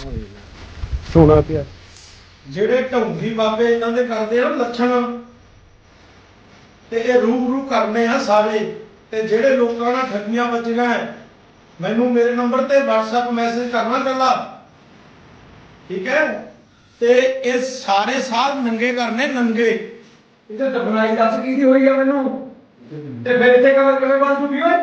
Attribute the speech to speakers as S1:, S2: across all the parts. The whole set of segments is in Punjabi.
S1: ਸੋਨਾ ਪਿਆ
S2: ਜਿਹੜੇ ਢੌਂਗੀ ਬਾਬੇ ਇਹਨਾਂ ਦੇ ਕਰਦੇ ਆ ਲੱਛਣ ਤੇ ਇਹ ਰੂਬਰੂ ਕਰਨੇ ਆ ਸਾਰੇ। ਤੇ ਜਿਹੜੇ ਲੋਕਾਂ ਨਾਲ ਠੱਗੀਆਂ ਵੱਜੀਆਂ ਮੈਨੂੰ ਮੇਰੇ ਨੰਬਰ ਤੇ WhatsApp ਮੈਸੇਜ ਕਰਨਾ ਕੱਲਾ, ਠੀਕ ਹੈ। ਤੇ ਇਹ ਸਾਰੇ ਸਾਧ ਨੰਗੇ ਕਰਨੇ, ਨੰਗੇ।
S1: ਇਹਦੇ ਦਫਨਾਈ ਦੱਸ ਕੀ ਹੋਈ ਆ ਮੈਨੂੰ, ਤੇ ਫਿਰ ਇੱਥੇ ਕਵਰ ਕਿਵੇਂ ਬਣ ਜੂਗੀ ਓਏ?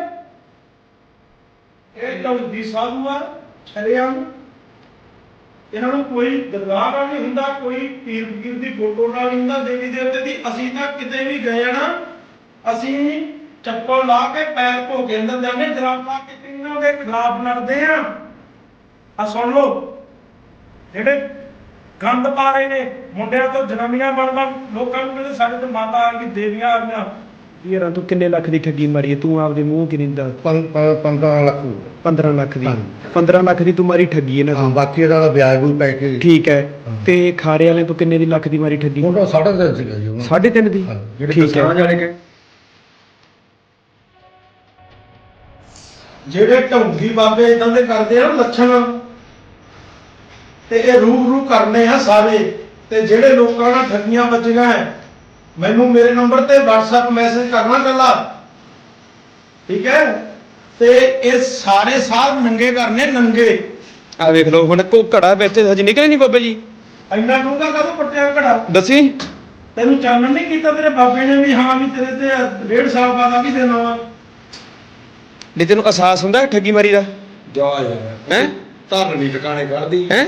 S2: ਇਹ ਢੌਂਗੀ ਸਾਧੂ ਆ ਛੜਿਆਮ। ਇਹਨਾਂ ਨੂੰ ਕੋਈ ਦਰਗਾਹ ਨਾਲ ਨਹੀਂ ਹੁੰਦਾ, ਕੋਈ ਪੀਰ ਫਕੀਰ ਦੀ ਫੋਟੋ ਨਾਲ ਨਹੀਂ ਹੁੰਦਾ, ਦੇਵੀ ਦੇਵਤੇ ਦੀ। ਅਸੀਂ ਤਾਂ ਕਿਤੇ ਵੀ ਗਏ ਆ ਨਾ, ਅਸੀਂ ਚੱਪਲ ਲਾ ਕੇ ਪੈਰ ਧੋ ਕੇ ਅੰਦਰ ਜਾਂਦੇ, ਜਰਾਬ ਲਾ ਕੇ ਇਹਨਾਂ ਦੇ ਖਿਲਾਫ ਲੜਦੇ ਆ। ਆ ਸੁਣ ਲਓ, ਜਿਹੜੇ ਗੰਦ ਪਾ ਰਹੇ ਨੇ, ਮੁੰਡਿਆਂ ਤੋਂ ਜਨਾਨੀਆਂ ਬਣ ਲੋਕਾਂ ਨੂੰ ਕਹਿੰਦੇ ਸਾਡੇ ਤੋਂ ਮਾਤਾ ਆ ਗਈ, ਦੇਵੀਆਂ ਆ ਗਈਆਂ।
S1: ਯਾਰ ਤੂੰ ਕਿੰਨੇ ਲੱਖ ਦੀ ਠੱਗੀ ਮਾਰੀ ਹੈ? ਤੂੰ ਆਪਦੇ ਮੂੰਹ ਕਿੰਨੀ ਦਾ
S3: 15 ਲੱਖ
S1: 15 ਲੱਖ ਦੀ 15 ਲੱਖ ਦੀ ਤੂੰ ਮਾਰੀ ਠੱਗੀ ਇਹਨਾਂ ਤੋਂ।
S3: ਬਾਕੀ ਇਹਦਾ ਵਿਆਜ ਵੀ ਪੈ ਕੇ
S1: ਠੀਕ ਹੈ। ਤੇ ਖਾਰੇ ਵਾਲੇ ਤੋਂ ਕਿੰਨੇ ਦੀ ਲੱਖ ਦੀ ਮਾਰੀ ਠੱਗੀ?
S3: ਉਹ 3.5 ਸੀਗਾ ਜੀ ਉਹਨਾਂ
S1: 3.5 ਦੀ। ਠੀਕ ਹੈ।
S2: ਜਿਹੜੇ ਢੌਂਗੀ ਬਾਬੇ ਇਦਾਂ ਦੇ ਕਰਦੇ ਆ ਲੱਛਣ, ਤੇ ਇਹ ਰੂਬਰੂ ਕਰਨੇ ਆ ਸਾਰੇ। ਤੇ ਜਿਹੜੇ ਲੋਕਾਂ ਨਾਲ ਠੱਗੀਆਂ ਵੱਜੀਆਂ ਮੈਨੂੰ ਮੇਰੇ ਨੰਬਰ ਤੇ WhatsApp ਮੈਸੇਜ ਕਰਨਾ ਕੱਲਾ, ਠੀਕ ਹੈ। ਤੇ ਇਹ ਸਾਰੇ ਸਾਧ ਨੰਗੇ ਕਰਨੇ, ਨੰਗੇ।
S1: ਆ ਵੇਖ ਲਓ ਹੁਣ ਕੋ ਘੜਾ ਵਿੱਚ ਹਜੇ ਨਿਕਲੇ ਨਹੀਂ ਬਾਬੇ ਜੀ।
S2: ਇੰਨਾ ਡੂੰਘਾ ਕਦੋਂ ਪੱਟਿਆ ਘੜਾ?
S1: ਦੱਸੀ
S2: ਤੈਨੂੰ ਚਾਨਣ ਨਹੀਂ ਕੀਤਾ ਤੇਰੇ ਬਾਬੇ ਨੇ ਵੀ ਹਾਂ ਵੀ ਤੇਰੇ ਤੇ 1.5 ਸਾਲ ਬਾਅਦ ਆ ਵੀ ਦੇਣਾ ਵਾ?
S1: ਨਹੀਂ ਤੈਨੂੰ ਅਹਿਸਾਸ ਹੁੰਦਾ ਠੱਗੀ ਮਾਰੀ ਦਾ?
S3: ਜਾ ਯਾਰ
S1: ਹੈ
S3: ਧਰਨ ਨਹੀਂ ਟਿਕਾਣੇ ਕੱਢਦੀ
S1: ਹੈ।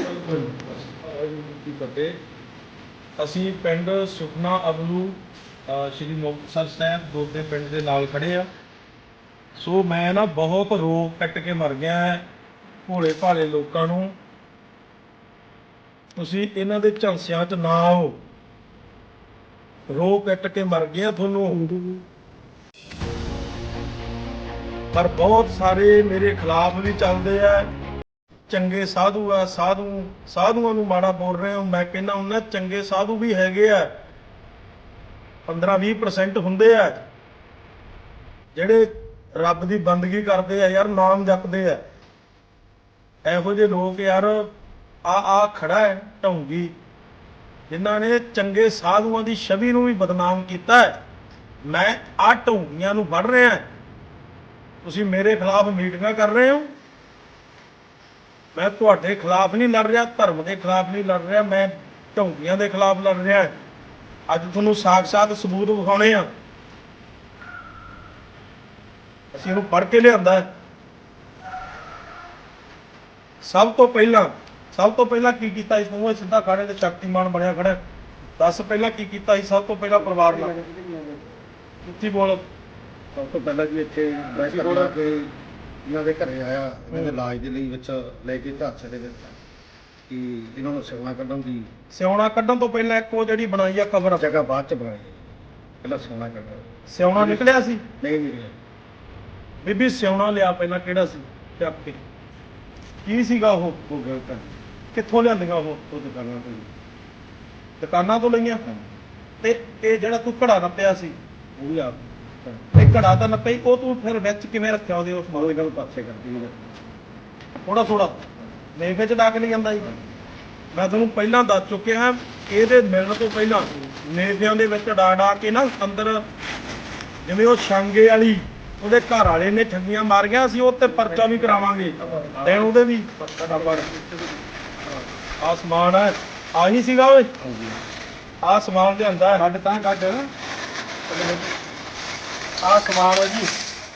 S2: ਅਸੀਂ ਪਿੰਡ ਸੁਖਨਾ ਅਬਲੂ ਸ਼੍ਰੀ ਮੁਕਤਸਰ ਸਾਹਿਬ ਦੋਦੇ ਪਿੰਡ ਦੇ ਨਾਲ ਖੜੇ ਆ। ਸੋ ਮੈਂ ਨਾ ਬਹੁਤ ਰੋ ਕੱਟ ਕੇ ਮਰ ਗਿਆ ਭੋਲੇ ਭਾਲੇ ਲੋਕਾਂ ਨੂੰ। ਤੁਸੀਂ ਇਹਨਾਂ ਦੇ ਝਾਂਸਿਆਂ 'ਚ ਨਾ ਆਓ, ਰੋ ਕੱਟ ਕੇ ਮਰ ਗਿਆ ਤੁਹਾਨੂੰ। ਪਰ ਬਹੁਤ ਸਾਰੇ ਮੇਰੇ ਖਿਲਾਫ ਵੀ ਚੱਲਦੇ ਆ। ਚੰਗੇ ਸਾਧੂ ਆ, ਸਾਧੂਆਂ ਨੂੰ ਮਾੜਾ ਬੋਲ ਰਹੇ ਹੋ। ਮੈਂ ਕਹਿੰਦਾ ਹੁੰਦਾ ਚੰਗੇ ਸਾਧੂ ਵੀ ਹੈਗੇ ਆ, 15-20% ਹੁੰਦੇ ਆ ਜਿਹੜੇ ਰੱਬ ਦੀ ਬੰਦਗੀ ਕਰਦੇ ਆ ਯਾਰ, ਨਾਮ ਜਪਦੇ ਆ। ਇਹੋ ਜਿਹੇ ਲੋਕ ਯਾਰ ਆ ਖੜਾ ਹੈ ਢੌਂਗੀ, ਜਿਨ੍ਹਾਂ ਨੇ ਚੰਗੇ ਸਾਧੂਆਂ ਦੀ ਛਵੀ ਨੂੰ ਵੀ ਬਦਨਾਮ ਕੀਤਾ ਹੈ। ਮੈਂ ਆ ਢੌਂਗੀਆਂ ਨੂੰ ਵੜ ਰਿਹਾ। ਤੁਸੀਂ ਮੇਰੇ ਖਿਲਾਫ ਮੀਟਿੰਗਾਂ ਕਰ ਰਹੇ ਹੋ। ਮੈਂ ਤੁਹਾਡੇ ਖਿਲਾਫ ਨਹੀਂ ਲੜ ਰਿਹਾ, ਧਰਮ ਦੇ ਖਿਲਾਫ ਨਹੀਂ ਲੜ ਰਿਹਾ, ਮੈਂ ਢੌਂਗੀਆਂ ਦੇ ਖਿਲਾਫ ਲੜ ਰਿਹਾ। ਅੱਜ ਤੁਹਾਨੂੰ ਸਾਖ-ਸਾਖ ਸਬੂਤ ਵਿਖਾਉਣੇ ਆ। ਅਸੀਂ ਇਹਨੂੰ ਪੜ੍ਹ ਕੇ ਲਿਆਂਦਾ। ਸਭ ਤੋਂ ਪਹਿਲਾਂ ਕੀ ਕੀਤਾ ਇਸ ਨੂੰ? ਸਿੱਧਾ ਖਾੜੇ ਤੇ ਸ਼ਕਤੀਮਾਨ ਬਣਿਆ ਖੜਾ। ਦੱਸ ਪਹਿਲਾਂ ਕੀ ਕੀਤਾ ਸੀ? ਸਭ ਤੋਂ ਪਹਿਲਾਂ ਪਰਿਵਾਰ ਨਾਲ ਉੱਚੀ ਬੋਲ।
S3: ਸਭ ਤੋਂ ਪਹਿਲਾਂ ਜੀ ਇੱਥੇ ਇਹਨਾਂ ਦੇ ਘਰੇ ਆਇਆ, ਇਹਨਾਂ ਦੇ ਇਲਾਜ ਦੇ ਲਈ ਵਿੱਚ ਲੈ ਕੇ ਢਾਂਚੇ ਦੇ ਵਿੱਚ ਕਿ ਇਹਨਾਂ ਨੂੰ ਸਿਉਣਾ ਕੱਢਣ ਦੀ।
S2: ਸਿਉਣਾ ਕੱਢਣ ਤੋਂ ਪਹਿਲਾਂ ਇੱਕ ਉਹ ਜਿਹੜੀ ਬਣਾਈ ਆ ਕਬਰ,
S3: ਜਗ੍ਹਾ ਬਾਅਦ ਚ ਬਣਾਈ, ਪਹਿਲਾਂ ਸਿਉਣਾ ਕੱਢਣਾ।
S2: ਸਿਉਣਾ ਨਿਕਲਿਆ ਸੀ?
S3: ਨਹੀਂ
S2: ਬੀਬੀ ਸਿਉਣਾ ਲਿਆ ਪਹਿਲਾਂ, ਕਿਹੜਾ ਸੀ? ਚੱਕ ਕੇ ਕੀ ਸੀਗਾ ਉਹ?
S3: ਉਹ ਗਲਤ ਹੈ।
S2: ਕਿੱਥੋਂ ਲਿਆਂਦੀਆਂ ਉਹ?
S3: ਉਹ ਦੁਕਾਨਾਂ ਤੋਂ
S2: ਦੁਕਾਨਾਂ ਤੋਂ ਲਈਆਂ। ਤੇ ਇਹ ਜਿਹੜਾ ਤੂੰ ਘੜਾ ਨੱਪਿਆ ਸੀ
S3: ਉਹ ਵੀ ਆਪ
S2: ਤੇ ਘੜਾ ਤਾਂ ਨੱਪਿਆ, ਉਹ ਤੂੰ ਫਿਰ ਵਿੱਚ ਕਿਵੇਂ ਰੱਖਿਆ ਉਹਦੇ? ਉਸ
S3: ਉਹਦੇ ਗੱਲ ਪਾਸੇ ਕਰਦੀ ਹੈ।
S2: ਥੋੜਾ ਨੇਫੇ ਚ ਡਾਕ ਨਹੀਂ ਜਾਂਦਾ ਜੀ। ਮੈਂ ਤੁਹਾਨੂੰ ਪਹਿਲਾਂ ਦੱਸ ਚੁੱਕਿਆ, ਇਹਦੇ ਮਿਲਣ ਤੋਂ ਪਹਿਲਾਂ ਨੇਫਿਆਂ ਦੇ ਵਿੱਚ ਡਾ ਕੇ ਨਾ ਅੰਦਰ, ਜਿਵੇਂ ਉਹ ਛਾਂਗੇ ਵਾਲੀ ਉਹਦੇ ਘਰ ਵਾਲੇ ਨੇ ਠੱਗੀਆਂ ਮਾਰੀਆਂ, ਅਸੀਂ ਉਹ ਤੇ ਪਰਚਾ ਵੀ ਕਰਾਵਾਂਗੇ। ਤੇ ਉਹਦੇ ਵੀ ਆਹ ਸਮਾਨ ਹੈ, ਆਹੀ ਸੀਗਾ ਓਏ। ਆਹ ਸਮਾਨ ਲਿਆਂਦਾ ਕੱਢ ਤਾਂ ਕੱਢ। ਆਹ ਸਮਾਨ ਹੈ ਜੀ,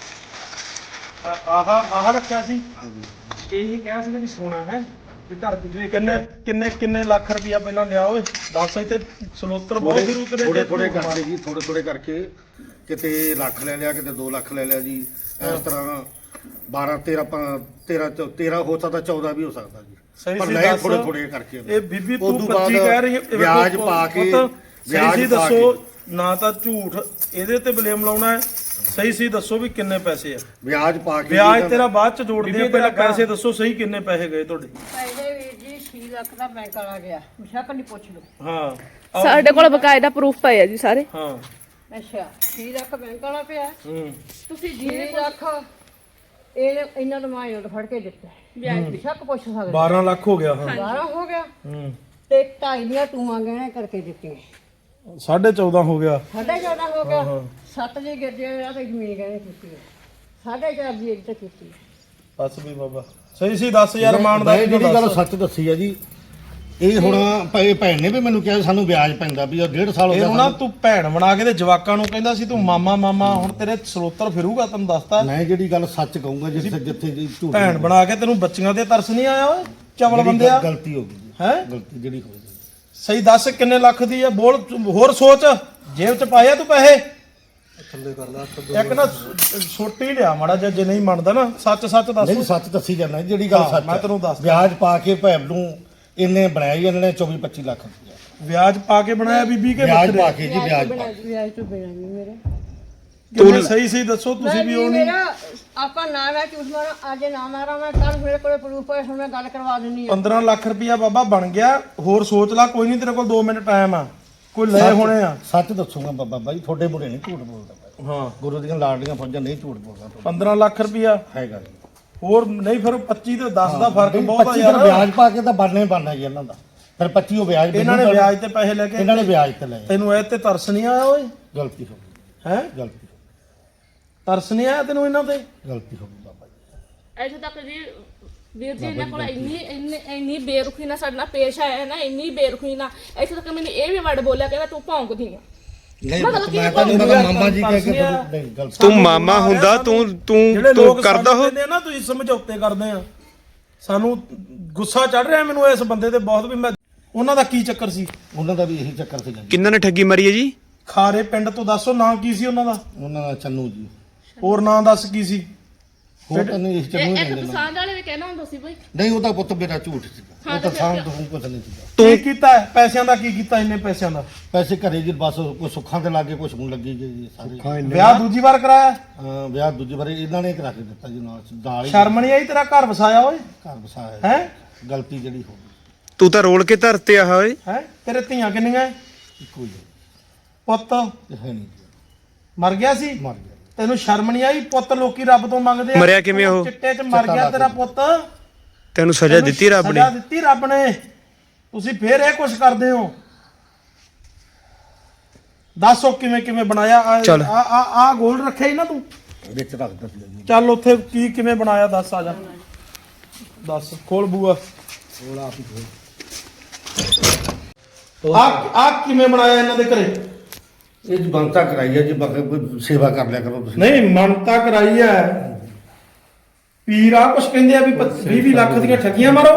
S2: ਆਹ ਰੱਖਿਆ ਸੀ। ਇਹੀ ਕਿਹਾ ਸੀ ਵੀ ਸੋਨਾ ਹੈ ਵੀ ਘਰ ਦੀ। ਕਿੰਨੇ ਲੱਖ ਰੁਪਇਆ ਪਹਿਲਾਂ ਲਿਆ ਓਏ? ਦੱਸ। ਇੱਥੇ ਸਲੋਤਰ ਬਹੁਤ ਫਿਰ ਉਤਰੇ
S3: ਥੋੜੇ ਕਰਕੇ ਜੀ, ਥੋੜੇ ਕਰਕੇ ਕਿਤੇ ਲੱਖ ਲੈ ਲਿਆ, ਕਿਤੇ 2 ਲੱਖ ਲੈ ਲਿਆ ਜੀ। ਇਸ ਤਰ੍ਹਾਂ 12 13 ਹੋ ਸਕਦਾ, 14 ਵੀ ਹੋ ਸਕਦਾ ਜੀ।
S2: ਸਹੀ
S3: ਪਰ
S2: ਸੀ
S3: ਲੈ
S2: ਦੱਸ।
S3: ਥੋੜੇ ਕਰਕੇ।
S2: ਇਹ ਬੀਬੀ ਤੂੰ
S3: ਉਦੋਂ
S2: 25 ਕਹਿ ਰਹੀ ਹੈ,
S3: ਵਿਆਜ ਪਾ ਕੇ
S2: ਵਿਆਜ ਦੱਸੋ ਨਾ, ਤਾਂ ਝੂਠ ਇਹਦੇ ਤੇ ਬਲੇਮ ਲਾਉਣਾ ਹੈ। ਸਹੀ ਦੱਸੋ ਵੀ ਕਿੰਨੇ ਪੈਸੇ ਆ?
S3: ਵਿਆਜ ਪਾ ਕੇ
S2: ਵਿਆਜ ਤੇਰਾ ਬਾਅਦ ਚ ਜੋੜਦੇ ਆ, ਪਹਿਲਾਂ ਪੈਸੇ ਦੱਸੋ ਸਹੀ ਕਿੰਨੇ ਪੈਸੇ ਗਏ ਤੁਹਾਡੇ?
S4: ਪੈਸੇ ਵੀਰ ਜੀ 6 ਲੱਖ ਦਾ ਬੈਂਕ ਵਾਲਾ ਗਿਆ, ਮੁਸ਼ਕ ਨਹੀਂ ਪੁੱਛ ਲਓ।
S2: ਹਾਂ
S5: ਸਾਡੇ ਕੋਲ ਬਕਾਇਦਾ ਪ੍ਰੂਫ ਪਏ ਆ ਜੀ ਸਾਰੇ।
S2: ਹਾਂ
S4: ਅੱਛਾ 6 ਲੱਖ ਬੈਂਕ ਵਾਲਾ ਪਿਆ।
S2: ਹੂੰ
S4: ਤੁਸੀਂ 6 ਲੱਖ ਇਹ ਇਹਨਾਂ ਨੂੰ ਮੈਂ ਫੜ ਕੇ ਦਿੱਤਾ। ਸ਼ੱਕ ਪੁੱਛ ਸਕਦੇ
S2: 12 ਲੱਖ ਹੋ ਗਿਆ ਹਾਂ
S4: 12 ਹੋ ਗਿਆ
S2: ਹੂੰ
S4: ਤੇ 2.5 ਦੀਆਂ ਟੂਆਂ ਗਹਿਣੇ ਕਰਕੇ ਦਿੱਤੀਆਂ
S2: 14.5 ਹੋ ਗਿਆ
S4: 14.5 ਹੋ ਗਿਆ 7 ਦੀ ਗਿਰਜੇ ਆ ਤੇ ਜ਼ਮੀਨ ਗਹਿਣੇ ਕੀਤੀ 4.5 ਦੀ ਇੱਕ ਕੀਤੀ
S2: ਬਸ ਵੀ ਬਾਬਾ ਸਹੀ ਸੀ 10000 ਮਾਨ ਦਾ
S3: ਮੈਂ ਜਿਹੜੀ ਗੱਲ ਸੱਚ ਦੱਸੀ ਆ ਜੀ ਇਹ ਹੁਣ ਭੈਣ ਨੇ ਵੀ ਮੈਨੂੰ ਕਿਹਾ ਸਾਨੂੰ ਵਿਆਜ ਪੈਂਦਾ ਵੀ ਉਹ 1.5 ਸਾਲ ਹੋ
S2: ਇਹਨੂੰ ਨਾ
S3: ਗਿਆ
S2: ਤੂੰ ਭੈਣ ਬਣਾ ਕੇ ਤੇ ਜਵਾਕਾਂ ਨੂੰ ਕਹਿੰਦਾ ਸੀ ਤੂੰ ਮਾਮਾ ਮਾਮਾ ਹੁਣ ਤੇਰੇ ਸਰੋਤਰ ਫਿਰੂਗਾ ਤੈਨੂੰ ਦੱਸਤਾ
S3: ਮੈਂ ਜਿਹੜੀ ਗੱਲ ਸੱਚ ਕਹੂੰਗਾ ਜਿੱਥੇ ਜਿੱਥੇ ਜੀ ਝੂਠ
S2: ਭੈਣ ਬਣਾ ਕੇ ਤੈਨੂੰ ਬੱਚੀਆਂ ਤੇ ਤਰਸ ਨਹੀਂ ਆਇਆ ਓਏ ਚਵਲ ਬੰਦਿਆ
S3: ਗਲਤੀ ਹੋ ਗਈ ਜੀ।
S2: ਹੈ
S3: ਗਲਤੀ ਜਿਹੜੀ ਹੋ ਗਈ
S2: ਸਹੀ ਦੱਸ ਕਿੰਨੇ ਲੱਖ ਦੀ ਆ ਬੋਲ ਹੋਰ ਸੋਚ ਜੇਬ ਚ ਪਾਇਆ ਤੂੰ ਪੈਸੇ ਇੱਕ ਨਾ ਛੋਟੀ ਲਿਆ ਮਾੜਾ ਜਿਹਾ ਜੇ ਨਹੀਂ ਮੰਨਦਾ ਨਾ ਸੱਚ ਸੱਚ ਦੱਸ
S3: ਨਹੀਂ ਸੱਚ ਦੱਸੀ ਜਾਂਦਾ ਜਿਹੜੀ ਗੱਲ
S2: ਹਾਂ,
S3: ਸੱਚ
S2: ਮੈਂ
S3: ਹੈ।
S2: ਤੈਨੂੰ ਦੱਸਦਾ।
S3: ਵਿਆਜ ਪਾ ਕੇ ਭੈਣ ਨੂੰ ਇਹਨੇ ਬਣਾਇਆ ਜੀ, ਇਹਨਾਂ ਨੇ 24-25 ਲੱਖ ਰੁਪਇਆ
S2: ਵਿਆਜ ਪਾ ਕੇ ਬਣਾਇਆ ਬੀਬੀ ਕੇ
S3: ਵਿਆਜ
S2: ਬੱਕਰੇ
S3: ਪਾ ਕੇ ਜੀ ਵਿਆਜ ਪਾ ਕੇ।
S4: ਵਿਆਜ ਤੋਂ ਬਿਨਾਂ ਨਹੀਂ ਮੇਰੇ
S2: ਤੂੰ ਸਹੀ ਸਹੀ ਦੱਸੋ ਤੁਸੀਂ ਵੀ ਉਹ ਨਹੀਂ
S4: ਮੇਰਾ ਆਪਾਂ ਨਾ ਮੈਂ ਝੂਠ ਮਾਰਾਂ ਅੱਜ ਨਾ ਮਾਰਾਂ ਮੈਂ ਕੱਲ ਮੇਰੇ ਕੋਲੇ ਪ੍ਰੂਫ ਹੈ ਹੁਣ ਮੈਂ ਗੱਲ ਕਰਵਾ ਦਿੰਨੀ ਆ
S2: 15 ਲੱਖ ਰੁਪਇਆ ਬਾਬਾ ਬਣ ਗਿਆ ਹੋਰ ਸੋਚ ਲੈ ਕੋਈ ਨਹੀਂ ਤੇਰੇ ਕੋਲ 2 ਮਿੰਟ ਟਾਈਮ ਆ ਕੋਈ ਲਏ ਹੋਣੇ ਆ
S3: ਸੱਚ ਦੱਸੂਗਾ ਬਾਬਾ ਬਾਈ ਤੁਹਾਡੇ ਮੁੰਡੇ ਨਹੀਂ ਝੂਠ ਬੋਲਦਾ ਬਾਈ।
S2: ਹਾਂ
S3: ਗੁਰੂ ਦੀਆਂ ਲਾਡਲੀਆਂ ਫੌਜਾਂ ਨਹੀਂ ਝੂਠ ਬੋਲਦਾ ਤੁਹਾਡਾ।
S2: 15 ਲੱਖ ਰੁਪਇਆ
S3: ਹੈਗਾ ਜੀ
S2: ਹੋਰ ਨਹੀਂ ਫਿਰ 25 ਤੇ 10 ਦਾ ਫਰਕ ਬਹੁਤ ਆ
S3: 25
S2: ਯਾਰ
S3: ਵਿਆਜ ਪਾ ਕੇ ਤਾਂ ਬਣਨਾ ਹੀ ਬਣਨਾ ਜੀ ਇਹਨਾਂ ਦਾ ਫਿਰ 25 ਉਹ ਵਿਆਜ
S2: ਇਹਨਾਂ ਨੇ
S3: ਮੈਨੂੰ
S2: ਵਿਆਜ ਤੇ ਪੈਸੇ ਲੈ ਕੇ
S3: ਇਹਨਾਂ ਨੇ ਵਿਆਜ ਤੇ ਲਏ
S2: ਤੈਨੂੰ ਇਹ ਤੇ ਤਰਸ ਨਹੀਂ ਆਇਆ ਓਏ
S3: ਗਲਤੀ ਹੋ ਗਈ
S2: ਹੈ
S3: ਗਲਤੀ ਹੋ
S2: ਤਰਸ ਨਹੀਂ ਆਇਆ ਤੈਨੂੰ ਇਹਨਾਂ ਤੇ
S3: ਗਈ ਗਲਤੀ ਹੋ ਗਈ ਬਾਬਾ ਜੀ
S5: ਇੱਥੇ ਤੱਕ ਜੀ ਵੀਰ ਜੀ ਇਹਨਾਂ ਕੋਲ ਇੰਨੀ ਬੇਰੁਖੀ ਨਾਲ ਸਾਡੇ ਨਾਲ ਪੇਸ਼ ਆਇਆ ਨਾ ਇੰਨੀ ਬੇਰੁਖੀ ਨਾਲ ਇੱਥੇ ਤੱਕ ਮੈਨੂੰ ਇਹ ਵੀ ਵਰਡ ਬੋਲਿਆ ਕਹਿੰਦਾ ਤੂੰ ਭੌਂਕਦੀ ਆ
S3: ਨਹੀਂ
S5: ਮਤਲਬ ਕਿ
S3: ਮੈਂ ਤਾਂ ਨਹੀਂ ਪਤਾ ਮਾਮਾ ਜੀ ਕਹਿ ਕੇ ਨਹੀਂ ਗਲਤ
S6: ਤੂੰ ਮਾਮਾ ਹੁੰਦਾ
S2: ਜਿਹੜੇ
S6: ਤੂੰ
S2: ਲੋਕ
S6: ਕਰਦਾ ਹੋ
S2: ਕਹਿੰਦੇ ਆ ਨਾ ਤੁਸੀਂ ਸਮਝੌਤੇ ਕਰਦੇ ਆ ਸਾਨੂੰ ਗੁੱਸਾ ਚੜ ਰਿਹਾ ਮੈਨੂੰ ਇਸ ਬੰਦੇ ਤੇ ਬਹੁਤ ਵੀ ਮੈਂ ਉਹਨਾਂ ਦਾ ਕੀ ਚੱਕਰ ਸੀ
S3: ਉਹਨਾਂ ਦਾ ਵੀ ਇਹੀ ਚੱਕਰ ਸੀਗਾ ਜੀ
S6: ਕਿੰਨਾਂ ਨੇ ਠੱਗੀ ਮਾਰੀ ਹੈ ਜੀ
S2: ਖਾਰੇ ਪਿੰਡ ਤੋਂ ਦੱਸੋ ਨਾਂ ਕੀ ਸੀ ਉਹਨਾਂ ਦਾ
S3: ਉਹਨਾਂ ਦਾ ਚੰਨੂ ਜੀ
S2: ਹੋਰ ਨਾਂ ਦੱਸ ਕੀ ਸੀ
S3: ਹੋਰ ਤਾਂ ਨਹੀਂ ਇਸ ਚੰਨੂ ਹੀ
S5: ਇੱਕ
S3: ਕਹਿੰਦੇ ਨਾ
S5: ਪਸੰਦ ਵਾਲੇ ਵੀ ਕਹਿਣਾ ਹੁੰਦਾ ਸੀ ਬਈ
S3: ਨਹੀਂ ਉਹਦਾ ਪੁੱਤ ਮੇਰਾ ਝੂਠ ਸੀਗਾ ਉਹ ਤਾਂ ਸਾਂਭ ਤੋਂ ਕੁਝ ਨਹੀਂ ਸੀਗਾ
S2: ਕੀ ਕੀਤਾ ਹੈ? ਪੈਸਿਆਂ ਦਾ ਕੀ ਕੀਤਾ ਇੰਨੇ ਪੈਸਿਆਂ ਦਾ
S3: ਪੈਸੇ ਘਰੇ ਜੀ ਬਸ ਕੋਈ ਸੁੱਖਾਂ ਦੇ ਲਾਗੇ ਕੁਝ ਹੁਣ ਲੱਗੀ ਗਈ ਜੀ ਸਾਰੇ
S2: ਵਿਆਹ ਦੂਜੀ ਵਾਰ ਕਰਾਇਆ
S3: ਵਿਆਹ ਦੂਜੀ ਵਾਰੀ ਇਹਨਾਂ ਨੇ ਕਰਾ ਕੇ ਦਿੱਤਾ ਜੀ ਨਾਲ ਹੀ
S2: ਸ਼ਰਮ ਨਹੀਂ ਆਈ ਤੇਰਾ ਘਰ ਵਸਾਇਆ ਓਏ
S3: ਘਰ ਵਸਾਇਆ
S2: ਹੈ
S3: ਗਲਤੀ ਜਿਹੜੀ ਹੋ ਗਈ
S6: ਤੂੰ ਤਾਂ ਰੋਲ ਕੇ ਧਰਤੇ ਆ ਓਏ
S2: ਹੈ ਤੇਰੇ ਧੀਆਂ ਕਿੰਨੀਆਂ
S3: ਇੱਕੋ ਹੀ ਹੈ।
S2: ਪੁੱਤ
S3: ਇਹ ਹੈ ਨਹੀਂ ਜੀ
S2: ਮਰ ਗਿਆ ਸੀ
S3: ਮਰ ਗਿਆ
S2: ਤੈਨੂੰ ਸ਼ਰਮ ਨਹੀਂ ਆਈ ਪੁੱਤ ਲੋਕੀ ਰੱਬ ਤੋਂ ਮੰਗਦੇ ਆ
S6: ਮਰਿਆ ਕਿਵੇਂ ਉਹ?
S2: ਚਿੱਟੇ 'ਚ ਮਰ ਗਿਆ ਤੇਰਾ ਪੁੱਤ
S6: ਤੈਨੂੰ ਸਜ਼ਾ ਦਿੱਤੀ ਰੱਬ ਨੇ
S2: ਸਜ਼ਾ ਦਿੱਤੀ ਰੱਬ ਨੇ ਤੁਸੀਂ ਫੇਰ ਇਹ ਕੁਛ ਕਰਦੇ ਹੋ ਦੱਸੋ ਕਿਵੇਂ ਕਿਵੇਂ ਬਣਾਇਆ
S6: ਚੱਲ।
S2: ਆ ਗੋਲ ਰੱਖਿਆ ਹੀ ਨਾ ਤੂੰ
S3: ਵਿੱਚ ਰੱਖ ਦਿੱਤੀ ਜੀ
S2: ਚੱਲ ਉੱਥੇ ਕੀ ਕਿਵੇਂ ਬਣਾਇਆ ਦੱਸ ਆ ਜਾ ਦੱਸ ਖੋਲ ਬੂਆ ਆ ਕਿਵੇਂ ਬਣਾਇਆ ਇਹਨਾਂ ਦੇ ਘਰੇ
S3: ਇਹ ਜੀ ਬੰਤਾ ਕਰਾਈ ਹੈ ਜੀ ਬਾਕੀ ਕੋਈ ਸੇਵਾ ਕਰ ਲਿਆ ਕਰੋ ਤੁਸੀਂ
S2: ਨਹੀਂ ਮੰਨਤਾ ਕਰਾਈ ਐ ਪੀਰ ਆ ਕੁਛ ਕਹਿੰਦੇ ਆ ਵੀ 20 ਲੱਖ ਦੀਆਂ ਠੱਗੀਆਂ ਮਾਰੋ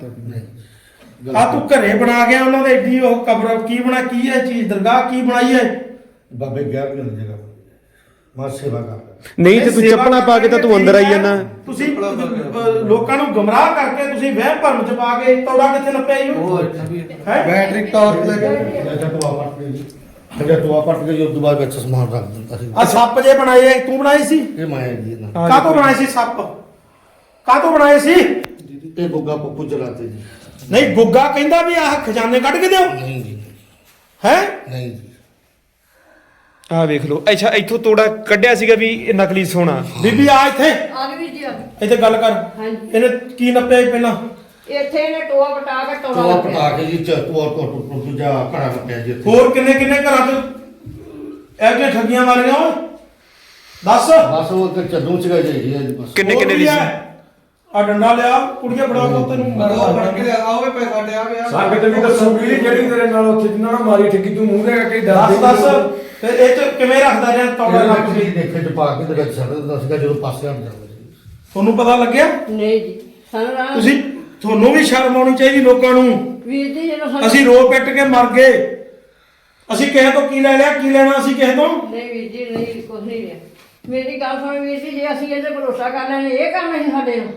S2: ਆ ਤੂੰ ਘਰੇ ਬਣਾ ਗਿਆ ਉਹਨਾਂ ਦੇ ਏਡੀ ਉਹ ਕਬਰ ਕੀ ਬਣਾ ਕੀ ਹੈ ਚੀਜ਼ ਦਰਗਾਹ ਕੀ ਬਣਾਈ ਹੈ
S3: ਬਾਬੇ ਗਿਆ ਵੀ ਨਹੀਂ ਜਗ੍ਹਾ ਮੈਂ ਸੇਵਾ ਕਰ ਲਿਆ
S6: ਨਹੀਂ ਤੇ ਤੂੰ
S2: ਸੇਵਾ
S6: ਚੱਪਲਾਂ ਪਾ ਕੇ ਤਾਂ ਤੂੰ ਅੰਦਰ ਆਈ ਜਾਂਦਾ
S2: ਤੁਸੀਂ ਲੋਕਾਂ ਨੂੰ ਗਮਰਾਹ ਕਰਕੇ ਤੁਸੀਂ ਵਹਿਮ ਭਰਮ ਚ ਪਾ ਕੇ ਤੋੜਾ ਕਿੱਥੇ ਨੱਪਿਆ ਜੀ ਹੈ
S3: ਬੈਟਰੀ ਟਾਰਚ ਲੈ ਕੇ ਟੋਆ ਪੱਟ ਕੇ ਜੀ ਟੋਆ ਪੱਟ ਕੇ ਜੀ ਉਸ ਤੋਂ ਬਾਅਦ ਵਿੱਚ ਸਮਾਨ ਰੱਖ ਦਿੰਦਾ ਸੀ
S2: ਆ ਸੱਪ ਜੇ ਬਣਾਏ ਐ, ਤੂੰ ਬਣਾਏ ਸੀ
S3: ਇਹ ਮਾਇਆ ਜੀ ਇਹਨਾਂ
S2: ਕਾਹਤੋਂ ਬਣਾਏ ਸੀ ਸੱਪ ਕਾਹਤੋਂ ਬਣਾਏ ਸੀ
S3: ਇਹ ਗੁੱਗਾ ਪੱਪੂ ਚਲਾਤੇ ਜੀ
S2: ਨਹੀਂ ਗੁੱਗਾ ਕਹਿੰਦਾ ਵੀ ਆਹ ਖਜ਼ਾਨੇ ਕੱਢ ਕੇ ਦਿਓ
S3: ਨਹੀਂ ਜੀ
S2: ਹੈ
S3: ਨਹੀਂ ਜੀ
S6: ਆਹ ਵੇਖ ਲਓ ਅੱਛਾ ਇੱਥੋਂ ਤੋੜਾ ਕੱਢਿਆ ਸੀਗਾ ਵੀ ਇਹ ਨਕਲੀ ਸੋਨਾ
S2: ਬੀਬੀ ਆ ਇੱਥੇ
S4: ਆ ਗਈ ਜੀ ਆ ਗਈ।
S2: ਇੱਥੇ ਗੱਲ ਕਰ
S4: ਹਾਂਜੀ।
S2: ਇਹਨੇ ਕੀ ਨੱਪਿਆ ਸੀ ਪਹਿਲਾਂ
S4: ਇੱਥੇ ਇਹਨੇ ਟੋਆ ਪਟਾ ਕੇ ਟੋਆ
S3: ਟੋਆ
S4: ਲੱਭਿਆ।
S3: ਪਟਾ ਕੇ ਜੀ ਟੋਆ ਤੋਂ ਦੂਜਾ ਘੜਾ ਕੱਟਿਆ ਜੀ ਇੱਥੇ।
S2: ਹੋਰ ਕਿੰਨੇ ਕਿੰਨੇ ਘਰਾਂ 'ਚ ਇਹ ਜਿਹੀਆਂ ਠੱਗੀਆਂ ਮਾਰੀਆਂ ਓਏ ਦੱਸ
S3: ਬਸ ਉਹ ਤੇ ਚੱਦੂ ਸੀਗਾ ਜੀ ਇਹ ਬਸ
S6: ਕਿੰਨੇ ਕਿੰਨੇ ਦੀ ਸੀ
S2: ਆ ਡੰਡਾ ਲਿਆ ਕੁੜੀਆਂ ਫੜਾਓ ਤੈਨੂੰ
S1: ਆਓਵੇ ਪੈਸਾ ਡਿਆ ਪਿਆ
S7: ਸੰਗਤ ਵੀ ਦੱਸੂਗੀ ਜਿਹੜੀ ਤੇਰੇ ਨਾਲ ਉੱਥੇ ਜਿੰਨਾਂ ਨਾਲ ਮਾਰੀ ਠੱਗੀ ਤੂੰ ਮੂੰਹ ਦੇ ਕੇ
S2: ਦੱਸ ਫਿਰ ਇਹ 'ਚ ਕਿਵੇਂ ਰੱਖਦਾ ਰਿਹਾ ਤੌੜਾ
S3: ਇਹਨਾਂ
S2: ਰੱਖ
S3: ਨੇ
S2: ਕੇ
S3: ਦੇਖੇ ਚ ਪਾ ਕੇ ਤੇ ਵਿੱਚ ਛੱਡ ਦਿੰਦਾ ਸੀਗਾ ਜਦੋਂ ਪਾਸੇ ਹਟ ਜਾਂਦਾ ਸੀ
S2: ਤੁਹਾਨੂੰ ਪਤਾ ਲੱਗਿਆ
S4: ਨਹੀਂ ਜੀ ਸਾਨੂੰ ਰਾਹ
S2: ਤੁਸੀਂ ਤੁਹਾਨੂੰ ਵੀ ਸ਼ਰਮ ਆਉਣੀ ਚਾਹੀਦੀ ਲੋਕਾਂ ਨੂੰ
S4: ਵੀਰ ਜੀ ਜਦੋਂ ਸਾਨੂੰ
S2: ਅਸੀਂ ਰੋ ਪਿੱਟ ਕੇ ਮਰ ਗਏ ਅਸੀਂ ਕਿਸੇ ਤੋਂ ਕੀ ਲੈ ਲਿਆ ਕੀ ਲੈਣਾ ਅਸੀਂ ਕਿਸੇ ਤੋਂ
S4: ਨਹੀਂ ਵੀਰ ਜੀ ਨਹੀਂ ਕੁਝ ਨਹੀਂ ਲਿਆ ਮੇਰੀ ਗੱਲ ਸੁਣ ਵੀਰ ਜੀ ਜੇ ਅਸੀਂ ਇਹਦੇ ਭਰੋਸਾ ਕਰ ਲੈਣੇ ਇਹ ਕੰਮ ਨਹੀਂ ਸਾਡੇ ਨੂੰ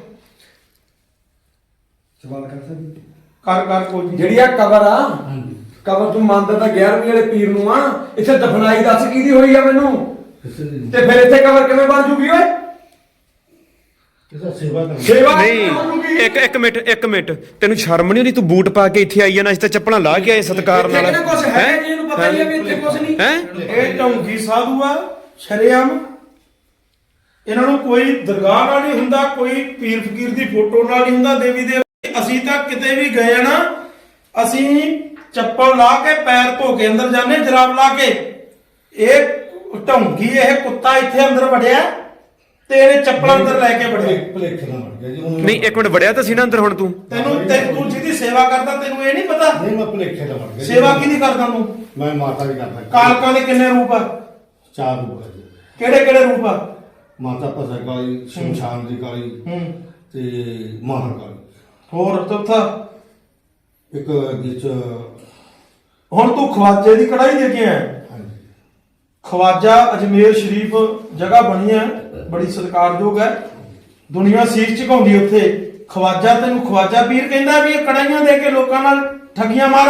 S7: ਸਵਾਲ ਕਰ ਸਕਦੀ
S2: ਕਰ ਕੋਈ ਨੀ।
S7: ਜਿਹੜੀ ਆ ਕਬਰ ਆ ਕਬਰ ਤੂੰ ਮੰਨਦਾ ਤਾਂ 11ਵੀਂ ਵਾਲੇ ਪੀਰ ਨੂੰ ਆ ਇੱਥੇ ਦਫਨਾਈ ਦੱਸ ਕਿਹਦੀ ਹੋਈ ਆ ਮੈਨੂੰ
S3: ਕਿਸੇ ਦੀ
S7: ਤੇ ਫਿਰ ਇੱਥੇ ਕਬਰ ਕਿਵੇਂ ਬਣ ਜੂਗੀ ਓਏ
S3: ਕਿਸੇ ਸੇਵਾ ਕਰ
S7: ਸੇਵਾ
S6: ਨਹੀਂ ਇੱਕ ਮਿੰਟ ਤੈਨੂੰ ਸ਼ਰਮ ਨਹੀਂ ਆਉਂਦੀ ਤੂੰ ਬੂਟ ਪਾ ਕੇ ਇੱਥੇ ਆਈ ਜਾਣਾ ਅਸੀਂ ਤਾਂ ਚੱਪਲਾਂ ਲਾ ਕੇ ਆਏ ਸਤਿਕਾਰ ਨਾਲ
S7: ਇੱਥੇ ਕੁਝ ਹੈ ਜੀ ਇਹਨੂੰ ਪਤਾ ਹੀ ਆ ਵੀ ਇੱਥੇ ਕੁਝ ਨਹੀਂ
S6: ਹੈ
S2: ਇਹ ਢੌਂਗੀ ਸਾਧੂ ਆ ਸ਼ਰੇਆਮ ਇਹਨਾਂ ਨੂੰ ਕੋਈ ਦਰਗਾਹ ਨਾਲ ਨਹੀਂ ਹੁੰਦਾ, ਕੋਈ ਪੀਰ ਫਕੀਰ ਦੀ ਫੋਟੋ ਨਾਲ ਨਹੀਂ ਹੁੰਦਾ, ਦੇਵੀ ਦੇਵ। ਅਸੀਂ ਤਾਂ ਕਿਤੇ ਵੀ ਗਏ ਆ ਨਾ, ਅਸੀਂ ਚੱਪਲ ਲਾ ਕੇ ਪੈਰ ਧੋ ਕੇ ਅੰਦਰ ਜਾਂਦੇ, ਜਰਾਬ ਲਾ ਕੇ। ਇਹ ਢੌਂਗੀ ਇਹ ਕੁੱਤਾ ਇੱਥੇ ਅੰਦਰ ਵੜਿਆ ਤੇ ਇਹਨੇ ਚੱਪਲਾਂ ਅੰਦਰ ਲੈ ਕੇ ਵੜਿਆ।
S3: ਭੁਲੇਖੇ ਨਾਲ ਵੜ ਗਿਆ ਜੀ ਉਹਨੂੰ।
S6: ਨਹੀਂ ਇੱਕ ਮਿੰਟ ਵੜਿਆ ਤਾਂ ਸੀ ਨਾ ਅੰਦਰ ਹੁਣ ਤੂੰ
S2: ਤੂੰ ਜਿਹਦੀ ਸੇਵਾ ਕਰਦਾ ਤੈਨੂੰ ਇਹ ਨਹੀਂ ਪਤਾ
S3: ਨਹੀਂ ਮੈਂ ਭੁਲੇਖੇ ਨਾਲ ਵੜ ਗਿਆ ਜੀ।
S2: ਸੇਵਾ ਕਿਹਦੀ ਕਰਦਾ ਤੂੰ?
S3: ਮੈਂ ਮਾਤਾ ਦੀ ਕਰਦਾ।
S2: ਕਾਲਕਾਂ ਦੇ ਕਿੰਨੇ ਰੂਪ ਆ?
S3: 4 ਰੂਪ ਹੈ ਜੀ।
S2: ਕਿਹੜੇ ਕਿਹੜੇ ਰੂਪ ਆ?
S3: ਮਾਤਾ ਭਸਰ ਕਾਲੀ, ਸ਼ਮਸ਼ਾਨ ਦੀ ਕਾਲੀ ਤੇ ਮਾਹਰ ਕਾਲੀ।
S2: ਹੋਰ ਚੌਥਾ?
S3: ਇੱਕ ਵਿੱਚ
S2: ਹੁਣ ਤੂੰ ਖਵਾਜੇ ਦੀ ਕੜਾਈ ਦੇ ਕੇ ਆਇਆ।
S3: ਹਾਂਜੀ
S2: ਖਵਾਜਾ ਅਜਮੇਰ ਸ਼ਰੀਫ ਜਗ੍ਹਾ ਬਣੀ ਹੈ, ਬੜੀ ਸਤਿਕਾਰਯੋਗ ਹੈ, ਦੁਨੀਆ ਸੀਸ ਝੁਕਾਉਂਦੀ ਉੱਥੇ। ਖਵਾਜਾ ਤੈਨੂੰ ਖਵਾਜਾ ਪੀਰ ਕਹਿੰਦਾ ਵੀ ਇਹ ਕੜਾਈਆਂ ਦੇ ਕੇ ਲੋਕਾਂ ਨਾਲ ਠੱਗੀਆਂ ਮਾਰ?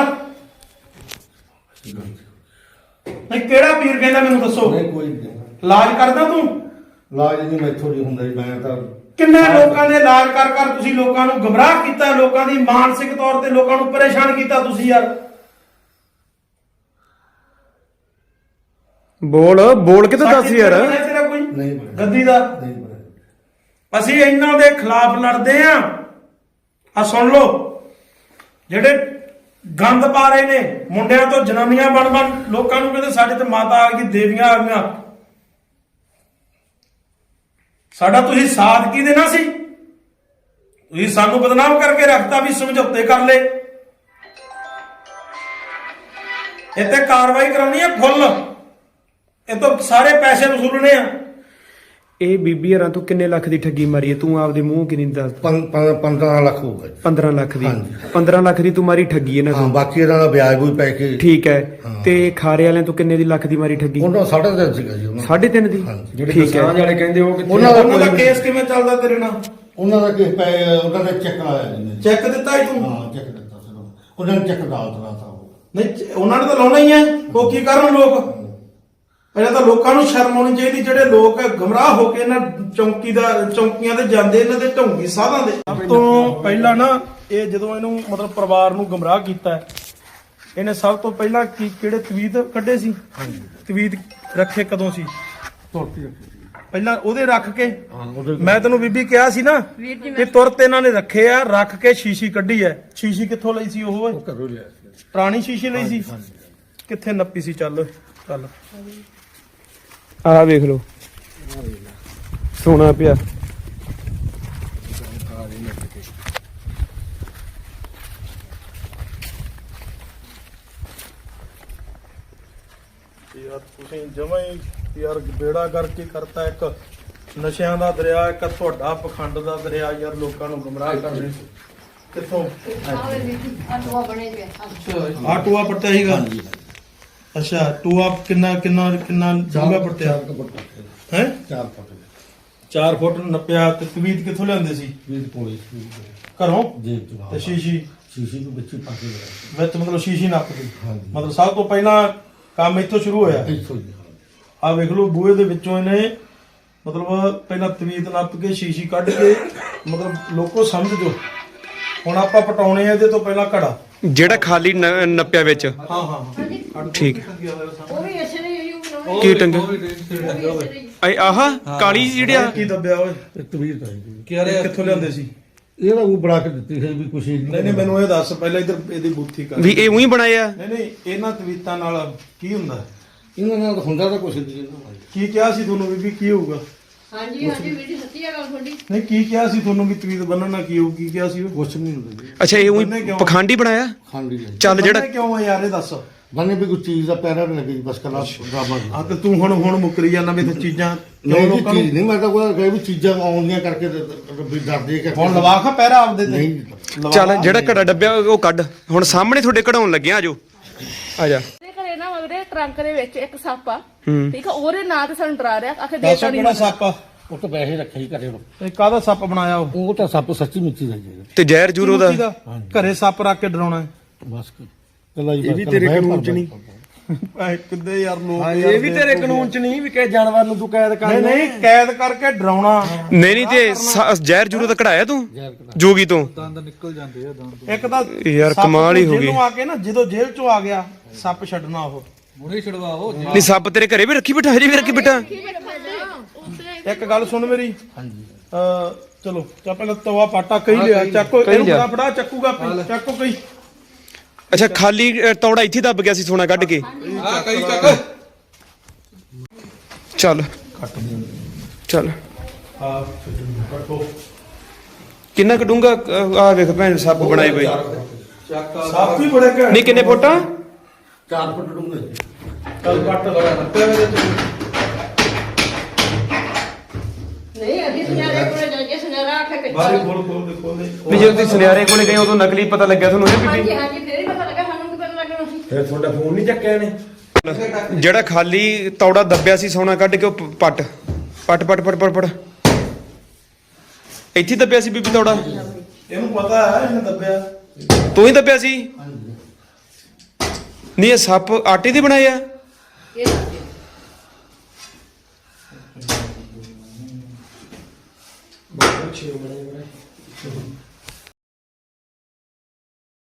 S2: ਨਹੀਂ ਕਿਹੜਾ ਪੀਰ ਕਹਿੰਦਾ ਮੈਨੂੰ ਦੱਸੋ?
S3: ਨਹੀਂ ਕੋਈ ਨਹੀਂ।
S2: ਇਲਾਜ ਕਰਦਾ ਤੂੰ?
S3: ਇਲਾਜ ਨਹੀਂ ਮੈਥੋਂ ਨਹੀਂ ਹੁੰਦਾ ਜੀ। ਮੈਂ ਤਾਂ
S2: ਕਿੰਨੇ ਲੋਕਾਂ ਦੇ ਇਲਾਜ ਕਰ ਕਰ ਤੁਸੀਂ ਲੋਕਾਂ ਨੂੰ ਗਮਰਾਹ ਕੀਤਾ, ਲੋਕਾਂ ਦੀ ਮਾਨਸਿਕ ਤੌਰ ਤੇ ਲੋਕਾਂ ਨੂੰ ਪਰੇਸ਼ਾਨ ਕੀਤਾ ਤੁਸੀਂ ਯਾਰ।
S6: ਬੋਲ ਕੇ ਤਾਂ ਦੱਸ ਯਾਰ।
S2: ਤੇਰਾ ਕੋਈ
S3: ਨਹੀਂ ਬਣਿਆ।
S2: ਗੱਦੀ ਦਾ
S3: ਨਹੀਂ ਬਣਿਆ।
S2: ਅਸੀਂ ਇਹਨਾਂ ਦੇ ਖਿਲਾਫ ਲੜਦੇ ਆ। ਆ ਸੁਣ ਲਓ, ਜਿਹੜੇ ਗੰਦ ਪਾ ਰਹੇ ਨੇ, ਮੁੰਡਿਆਂ ਤੋਂ ਜਨਾਨੀਆਂ ਬਣ ਲੋਕਾਂ ਨੂੰ ਕਹਿੰਦੇ ਸਾਡੇ ਤੇ ਮਾਤਾ ਆ ਗਈ, ਦੇਵੀਆਂ ਆ ਗਈਆਂ। ਸਾਡਾ ਤੁਸੀਂ ਸਾਥ ਕੀ ਦੇਣਾ ਸੀ? ਤੁਸੀਂ ਸਾਨੂੰ ਬਦਨਾਮ ਕਰਕੇ ਰੱਖਤਾ ਵੀ ਸਮਝੌਤੇ ਕਰ ਲਏ। ਇੱਥੇ ਕਾਰਵਾਈ ਕਰਾਉਣੀ ਹੈ ਫੁੱਲ, ਇਹ ਤੋਂ ਸਾਰੇ ਪੈਸੇ ਵਸੂਲਣੇ ਆ।
S6: ਇਹ ਬੀਬੀ ਯਾਰਾਂ ਤੂੰ ਕਿੰਨੇ ਲੱਖ ਦੀ ਠੱਗੀ ਮਾਰੀ ਹੈ? ਤੂੰ ਆਪਦੇ ਮੂੰਹ ਕਿੰਨੀ ਦੱਸ?
S3: 15 ਲੱਖ ਹੋਊਗਾ ਜੀ।
S6: 15 ਲੱਖ ਦੀ।
S3: ਹਾਂਜੀ।
S6: 15 ਲੱਖ ਦੀ ਤੂੰ ਮਾਰੀ ਠੱਗੀ ਇਹਨਾਂ
S3: ਹਾਂ
S6: ਤੋਂ?
S3: ਬਾਕੀ ਇਹਨਾਂ ਦਾ ਵਿਆਜ ਵੀ ਪੈ ਕੇ।
S6: ਠੀਕ ਹੈ। ਤੇ ਖਾਰੇ ਵਾਲਿਆਂ ਤੋਂ ਕਿੰਨੇ ਦੀ ਲੱਖ ਦੀ ਮਾਰੀ ਠੱਗੀ?
S3: ਉਹਨਾਂ 3.5 ਸੀਗਾ ਜੀ ਉਹਨਾਂ ਦਾ।
S6: 3.5 ਦੀ?
S3: ਹਾਂਜੀ।
S7: ਜਿਹੜੇ
S6: ਠੀਕ ਹੈ।
S7: ਕਿਸਾਨ ਵਾਲੇ ਕਹਿੰਦੇ ਉਹ ਕਿੱਥੇ?
S2: ਉਹਨਾਂ ਦਾ ਕੇਸ ਕਿਵੇਂ ਚੱਲਦਾ ਤੇਰੇ ਨਾਲ?
S3: ਉਹਨਾਂ ਦਾ ਕਿਸ ਪੈ ਉਹਨਾਂ ਦਾ ਚੈੱਕ ਆਇਆ ਜੀ ਨੇ।
S2: ਚੈੱਕ ਦਿੱਤਾ ਹੀ ਤੂੰ?
S3: ਹਾਂ ਚੈੱਕ ਦਿੱਤਾ ਸੀ ਉਹਨਾਂ ਨੇ। ਚੈੱਕ ਅਦਾਲਤ ਦਾ ਤਾ ਉਹ।
S2: ਨਹੀਂ ਉਹਨਾਂ ਨੇ ਤਾਂ ਲਾਉਣਾ ਹੀ ਹੈ। ਉਹ ਕੀ ਕਰਨ ਲੋਕ? ਪਹਿਲਾਂ ਤਾਂ ਲੋਕਾਂ ਨੂੰ ਸ਼ਰਮ ਆਉਣੀ ਚਾਹੀਦੀ, ਜਿਹੜੇ ਲੋਕ ਗਮਰਾਹ ਹੋ ਕੇ ਇਹਨਾਂ ਚੌਂਕੀਆਂ ਤੇ ਜਾਂਦੇ, ਇਹਨਾਂ ਦੇ ਢੌਂਗੀ ਸਾਧਾਂ ਦੇ। ਸਭ ਤੋਂ ਪਹਿਲਾਂ ਨਾ ਇਹ ਜਦੋਂ ਇਹਨੂੰ ਮਤਲਬ ਪਰਿਵਾਰ ਨੂੰ ਗਮਰਾਹ ਕੀਤਾ, ਇਹਨੇ ਸਭ ਤੋਂ ਪਹਿਲਾਂ ਕਿਹੜੇ ਤਵੀਤ ਕੱਢੇ ਸੀ? ਤਵੀਤ ਰੱਖੇ ਕਦੋਂ ਸੀ? ਪਹਿਲਾਂ ਉਹਦੇ ਰੱਖ ਕੇ। ਮੈਂ ਤੈਨੂੰ ਬੀਬੀ ਕਿਹਾ ਸੀ ਨਾ ਕਿ ਤੁਰਤ ਇਹਨਾਂ ਨੇ ਰੱਖੇ ਆ, ਰੱਖ ਕੇ ਸ਼ੀਸ਼ੀ ਕੱਢੀ ਐ। ਸ਼ੀਸ਼ੀ ਕਿੱਥੋਂ ਲਈ ਸੀ ਉਹ?
S3: ਘਰੋਂ ਲਿਆ ਸੀ।
S2: ਪੁਰਾਣੀ ਸ਼ੀਸ਼ੀ ਲਈ ਸੀ? ਕਿੱਥੇ ਨੱਪੀ ਸੀ? ਚੱਲ
S6: ਆਹ ਵੇਖ ਲਓ, ਸੋਨਾ ਪਿਆ।
S2: ਯਾਰ ਤੁਸੀਂ ਜਮਾਂ ਹੀ ਯਾਰ ਬੇੜਾ ਕਰਕੇ ਕਰਤਾ। ਇੱਕ ਨਸ਼ਿਆਂ ਦਾ ਦਰਿਆ, ਇੱਕ ਤੁਹਾਡਾ ਪਖੰਡ ਦਾ ਦਰਿਆ। ਯਾਰ ਲੋਕਾਂ ਨੂੰ ਗੁੰਮਰਾਹ ਕਰਦੇ ਕਿੱਥੋਂ? ਆ ਟੂਆ ਪੱਟਿਆ ਸੀਗਾ? ਅੱਛਾ, ਟੂਆ ਕਿੰਨਾ ਡੂੰਘਾ ਪੱਟਿਆ ਹੈ?
S3: 4 ਫੁੱਟ
S2: 4 ਫੁੱਟ ਨੱਪਿਆ। ਤੇ ਤਵੀਤ ਕਿੱਥੋਂ ਲਿਆਂਦੇ ਸੀ?
S3: ਵੀ ਕੋਲੇ
S2: ਘਰੋਂ?
S3: ਜੇਬ ਤੋਂ।
S2: ਤੇ ਸ਼ੀਸ਼ੀ
S3: ਸ਼ੀਸ਼ੀ ਨੂੰ ਵਿੱਚ ਪਾ ਕੇ ਲਿਆ।
S2: ਵਿੱਚ ਮਤਲਬ ਸ਼ੀਸ਼ੀ ਨੱਪਦੀ?
S3: ਹਾਂਜੀ।
S2: ਮਤਲਬ ਸਭ ਤੋਂ ਪਹਿਲਾਂ ਕੰਮ ਇੱਥੋਂ ਸ਼ੁਰੂ ਹੋਇਆ।
S3: ਇੱਥੋਂ ਹੀ।
S2: ਆ ਵੇਖ ਲਓ, ਬੂਹੇ ਦੇ ਵਿੱਚੋਂ ਇਹਨੇ ਮਤਲਬ ਪਹਿਲਾਂ ਤਵੀਤ ਨੱਪ ਕੇ ਸ਼ੀਸ਼ੀ ਕੱਢ ਕੇ, ਮਤਲਬ ਲੋਕੋ ਸਮਝ ਜੋ। ਹੁਣ ਆਪਾਂ ਪਟਾਉਣੇ ਆ ਇਹਦੇ ਤੋਂ ਪਹਿਲਾਂ ਘੜਾ,
S6: ਜਿਹੜਾ ਖਾਲੀ ਨੱਪਿਆ ਵਿੱਚ।
S2: ਹਾਂ
S6: ਠੀਕ।
S4: ਉਹ ਵੀ ਇਸੇ ਨੇ ਹੀ ਬਣਾਉਣੇ।
S6: ਕੀ ਟੰਗੇ? ਆਹ ਕਾਲੀ ਜਿਹੜੀ ਆ?
S2: ਕੀ ਦੱਬਿਆ ਓਏ?
S3: ਤਵੀਰ ਤਾਂ ਹੈ।
S2: ਕਿੱਥੋਂ ਲਿਆਂਦੇ ਸੀ?
S3: ਇਹਦਾ ਉਹ ਬਣਾ ਕੇ ਦਿੱਤੀ ਸੀ ਵੀ ਕੁਛ
S2: ਨਹੀਂ ਮੈਨੂੰ ਇਹ ਦੱਸ ਪਹਿਲਾਂ, ਇੱਧਰ ਇਹਦੀ ਬੂਥੀ ਕਰ।
S6: ਵੀ ਇਹ ਉਹੀ ਬਣਾਇਆ?
S2: ਨਹੀਂ ਇਹਨਾਂ ਤਵੀਤਾਂ ਨਾਲ ਕੀ ਹੁੰਦਾ?
S3: ਇਹਨਾਂ ਨਾਲ ਹੁੰਦਾ ਤਾਂ ਕੁਛ ਨਹੀਂ।
S2: ਕੀ ਕਿਹਾ ਸੀ ਤੁਹਾਨੂੰ ਬੀਬੀ ਕੀ ਹੋਊਗਾ?
S4: ਹਾਂਜੀ ਵੀਰ ਜੀ, ਸੱਚੀ ਆ ਗੱਲ ਤੁਹਾਡੀ।
S2: ਨਹੀਂ ਕੀ ਕਿਹਾ ਸੀ ਤੁਹਾਨੂੰ ਵੀ ਤਵੀਤ ਬੰਨਣ ਨਾਲ ਕੀ ਹੋਊ? ਕੀ ਕਿਹਾ ਸੀ ਉਹ?
S3: ਕੁਛ ਨਹੀਂ ਹੁੰਦਾ ਜੀ।
S6: ਅੱਛਾ, ਇਹ ਉਹੀ ਪਖੰਡੀ ਬਣਾਇਆ?
S3: ਖਾਂਡੀ ਹੈ।
S6: ਚੱਲ ਜਿਹੜਾ
S2: ਬੰਨ੍ਹੇ ਕਿਉਂ ਆ ਯਾਰ ਇਹ ਦੱਸ?
S3: ਬੰਨੇ ਵੀ ਕੋਈ ਚੀਜ਼ ਦਾ ਪੈਰਾ ਨਹੀਂ ਲੱਗੀ ਬਸ ਕਲਾ ਡਰਾਮਾ ਦੀ।
S2: ਆ ਤੇ ਤੂੰ ਹੁਣ ਮੁੱਕਰੀ ਜਾਂਦਾ ਵੀ ਤੇ ਚੀਜ਼ਾਂ
S3: ਨਹੀਂ
S2: ਕਿਉਂ
S3: ਜੀ,
S2: ਲੋਕਾਂ ਨੂੰ?
S3: ਚੀਜ਼ ਨਹੀਂ। ਮੈਂ ਤਾਂ ਕੋਈ ਕਹੇ ਵੀ ਚੀਜ਼ਾਂ ਆਉਂਦੀਆਂ ਕਰਕੇ ਵੀ ਡਰਦੇ ਕਰਕੇ।
S2: ਹੁਣ ਲਵਾ ਖਾ ਪਹਿਰਾ ਆਪਦੇ ਤੇ।
S3: ਨਹੀਂ
S2: ਲਵਾ
S6: ਚੱਲ
S2: ਲਾ।
S6: ਜਿਹੜਾ ਘੜਾ ਡੱਬਿਆ ਉਹ ਕੱਢ। ਹੁਣ ਸਾਹਮਣੇ ਤੁਹਾਡੇ ਕਢਾਉਣ ਲੱਗਿਆ। ਆਜੋ ਆ ਜਾ।
S5: ਤੇ ਘਰੇ ਨਾ ਉਹਦੇ ਟਰੰਕ ਦੇ ਵਿੱਚ ਇੱਕ ਸੱਪ ਆ,
S6: ਹੂੰ।
S5: ਠੀਕ ਆ, ਉਹਦੇ ਨਾਂ ਤੇ ਸਾਨੂੰ ਡਰਾ ਰਿਹਾ। ਆਖੇ
S2: ਦੱਸੋ
S5: ਦੇਤਾ ਨਹੀਂ
S2: ਕਿਹੜਾ ਸੱਪ ਆ?
S3: ਉਹ ਤਾਂ ਪੈਸੇ ਰੱਖੇ ਹੀ ਘਰੇ ਨੂੰ।
S2: ਇਹ ਕਾਹਦਾ ਸੱਪ ਬਣਾਇਆ ਉਹ?
S3: ਉਹ ਤਾਂ ਸੱਪ ਸੱਚੀ ਮਿੱਚੀ ਦਾ ਜੀ।
S6: ਤੇ ਜ਼ਹਿਰ ਜੂਰੋ ਦਾ?
S2: ਘਰੇ ਸੱਪ ਰੱਖ ਕੇ ਡਰਾਉਣਾ ਹੈ?
S3: ਬਸ ਕੱਲਾ ਹੀ।
S7: ਇਹ ਵੀ ਤੇਰੇ ਕਾਨੂੰਨ ਚ ਨਹੀਂ।
S2: ਕਿੱਦੇ ਯਾਰ ਲੋਕ
S7: ਇਹ ਵੀ ਤੇਰੇ ਕਾਨੂੰਨ ਚ ਨਹੀਂ ਵੀ ਕਿਸੇ ਜਾਨਵਰ ਨੂੰ ਤੂੰ ਕੈਦ ਕਰ।
S2: ਨਹੀਂ ਕੈਦ ਕਰਕੇ ਡਰਾਉਣਾ।
S6: ਨਹੀਂ ਤੇ ਜ਼ਹਿਰ ਜੂਰੋ ਦਾ ਕਢਾਇਆ ਤੂੰ ਜੋਗੀ ਤੋਂ?
S2: ਇੱਕ ਤਾਂ
S6: ਯਾਰ
S2: ਸੱਪ
S6: ਕਮਾਲ ਹੀ ਹੋ ਗਈ।
S2: ਜੇਲ੍ਹੋਂ ਆ ਕੇ ਨਾ, ਜਦੋਂ ਜੇਲ੍ਹ ਚੋਂ ਆ ਗਿਆ ਸੱਪ ਛੱਡਣਾ ਉਹ।
S6: ਨਹੀਂ ਸੱਪ ਤੇਰੇ ਘਰੇ ਵੀ ਰੱਖੀ ਬਿਠਾ? ਹਜੇ ਵੀ ਰੱਖੀ ਬਿਠਾ?
S2: ਇੱਕ ਗੱਲ ਸੁਣ ਮੇਰੀ ਹਾਂਜੀ ਚਲੋ ਚਾ ਪਹਿਲਾਂ ਤਵਾ ਪਾਟਾ ਕਹੀ ਲਿਆ ਚੱਕੋ
S6: ਕਹੀ
S2: ਇਹਨੂੰ
S6: ਲਿਆ।
S2: ਫੜਾ ਚੱਕੂਗਾ ਚੱਕੋ ਕਹੀ
S6: ਅੱਛਾ ਖਾਲੀ ਤੌੜਾ ਇੱਥੇ ਦੱਬ ਗਿਆ ਸੀ ਸੋਨਾ ਕੱਢ ਕੇ
S7: ਆ ਕਈ ਚੱਕ
S6: ਚੱਲ ਚੱਲ
S2: ਹਾਂ ਕੱਟੋ
S6: ਕਿੰਨਾ ਕਡੂੰਗਾ ਆ ਵੇਖ ਭੈਣ ਸੱਪ ਬਣਾਏ ਬਈ
S2: ਸਾਫ ਵੀ ਬੜੇ ਘੈਂਟ
S6: ਨਹੀਂ ਕਿੰਨੇ ਫੁੱਟ
S3: 4 ਫੁੱਟ ਡੂੰਘੇ
S2: ਚੱਲ ਕੱਟ
S4: ਨਹੀਂ ਅਸੀਂ ਸੁਨਿਆਰੇ ਕੋਲੇ ਜਾ ਕੇ ਸੁਨਿਆਰਾ ਆਖੇ ਕਿ
S2: ਬਾਰੀ ਖੋਲ ਦੇ
S6: ਵੀ ਜਦੋਂ ਤੁਸੀਂ ਸੁਨਿਆਰੇ ਕੋਲੇ ਗਏ ਉਦੋਂ ਨਕਲੀ ਪਤਾ ਲੱਗਿਆ ਤੁਹਾਨੂੰ ਇਹ
S4: ਹਾਂਜੀ
S6: ਬੀਬੀ
S4: ਹਾਂਜੀ ਫੇਰ ਹੀ ਪਤਾ ਲੱਗਾ ਸਾਨੂੰ ਕੀ ਪਤਾ ਲੱਗਣਾ ਸੀ
S7: ਫਿਰ ਤੁਹਾਡਾ ਫੋਨ ਨਹੀਂ ਚੱਕਿਆ ਨੇ
S6: ਜਿਹੜਾ ਖਾਲੀ ਤੌੜਾ ਦੱਬਿਆ ਸੀ ਸੋਨਾ ਕੱਢ ਕੇ ਉਹ ਪੱਟ ਪੱਟ ਪੱਟ ਪੱਟ ਪੱਟ ਪੱਟ ਇੱਥੇ ਦੱਬਿਆ ਸੀ ਬੀਬੀ ਤੌੜਾ
S2: ਇਹਨੂੰ ਪਤਾ ਹੈ ਇਹਨੇ ਦੱਬਿਆ
S6: ਤੂੰ ਹੀ ਦੱਬਿਆ ਸੀ ਨਹੀਂ ਇਹ ਸੱਪ ਆਟੇ ਦੇ ਬਣਾਏ ਆ
S4: ਇਹ ਦੱਸਿਓ।
S7: ਬਹੁਤ ਅੱਛੇ ਬਣੇ